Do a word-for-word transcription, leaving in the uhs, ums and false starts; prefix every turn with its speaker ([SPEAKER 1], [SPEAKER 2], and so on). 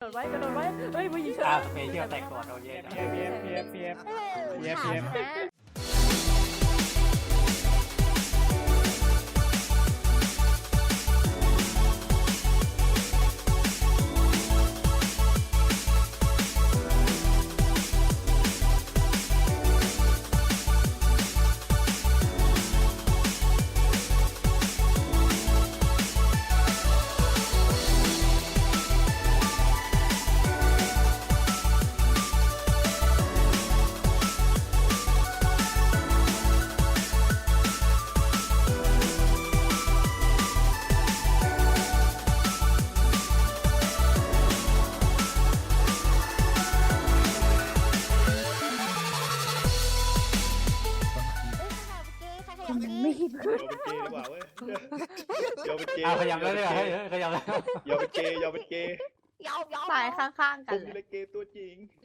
[SPEAKER 1] ดไว้กระโดดไว้เฮ้ยผู้หญิง
[SPEAKER 2] อ่าสเปเชียลแตกก่อนโอเค
[SPEAKER 3] เพียบเพียบเพียบเพียบ เพียบเพียบ
[SPEAKER 4] ถามนะ เอ้ยขยับเก้ขยับเก้
[SPEAKER 1] ไม่
[SPEAKER 5] เดี๋ยวเป็นเกย์ดีกว่าเว้ยเดี๋ยวเป็นเกย์
[SPEAKER 2] อ่าขยับได้เลยเหรอเฮ้ยขยับได้
[SPEAKER 5] เดี๋ยวเป็นเกย์เดี๋ยวเป็นเกย์
[SPEAKER 4] ยอมยอม
[SPEAKER 1] ตายข้างๆกั
[SPEAKER 5] ผ
[SPEAKER 1] น
[SPEAKER 5] ม
[SPEAKER 1] เล
[SPEAKER 5] นี่
[SPEAKER 1] ย
[SPEAKER 5] แหละเกย์ตัวจริง